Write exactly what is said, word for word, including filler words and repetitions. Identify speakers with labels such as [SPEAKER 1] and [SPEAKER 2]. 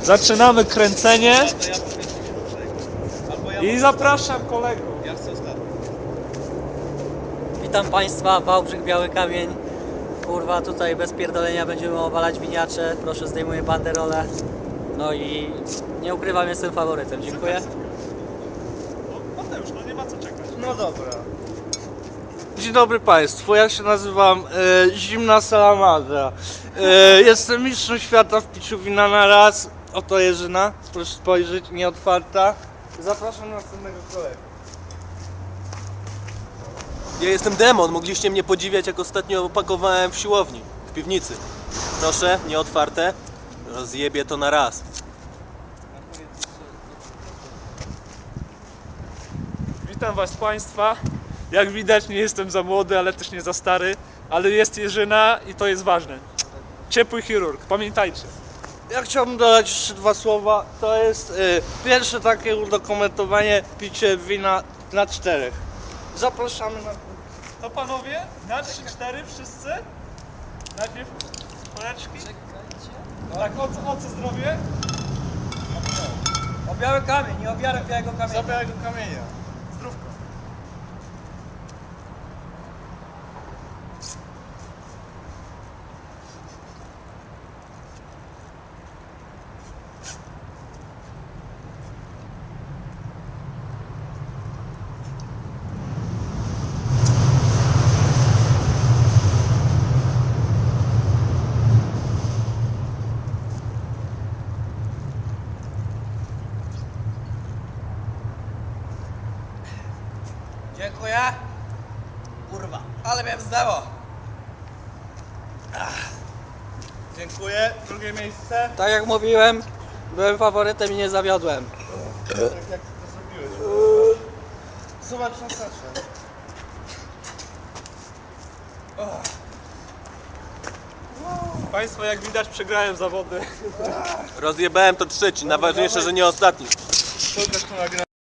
[SPEAKER 1] Zaczynamy kręcenie i zapraszam kolegów.
[SPEAKER 2] Witam Państwa, Wałbrzych, Biały Kamień. Kurwa, tutaj bez pierdolenia będziemy obalać winiacze. Proszę, zdejmuję banderolę. No i nie ukrywam, jestem faworytem. Dziękuję.
[SPEAKER 1] No to już, no nie ma co czekać.
[SPEAKER 3] No dobra. Dzień dobry Państwu, ja się nazywam e, Zimna Salamandra. E, jestem mistrzem świata w piciu wina na raz. Oto Jerzyna, proszę spojrzeć, nieotwarta. Zapraszam następnego kolegę.
[SPEAKER 4] Ja jestem demon, mogliście mnie podziwiać, jak ostatnio opakowałem w siłowni, w piwnicy. Proszę, nieotwarte, rozjebie to na raz.
[SPEAKER 1] Witam was Państwa. Jak widać, nie jestem za młody, ale też nie za stary, ale jest Jerzyna i to jest ważne. Ciepły chirurg, pamiętajcie.
[SPEAKER 3] Ja chciałbym dodać jeszcze dwa słowa. To jest e, pierwsze takie udokumentowanie picie wina na czterech. Zapraszamy na...
[SPEAKER 1] To panowie, na trzy cztery wszyscy. Najpierw poleczki. Tak, o co, o co zdrowie?
[SPEAKER 2] O biały kamień, nie o białego kamienia.
[SPEAKER 1] Za białego kamienia. Zdrówko.
[SPEAKER 2] Dziękuję. Kurwa, ale mnie wzdało.
[SPEAKER 3] Dziękuję. Drugie miejsce.
[SPEAKER 2] Tak jak mówiłem, byłem faworytem i nie zawiodłem.
[SPEAKER 3] Tak jak to zrobiłeś. Zobacz na Saszę.
[SPEAKER 1] Państwo, jak widać, przegrałem zawody.
[SPEAKER 4] Rozjebałem to trzeci, najważniejsze, że nie ostatni.
[SPEAKER 3] Pokaż to nagranie.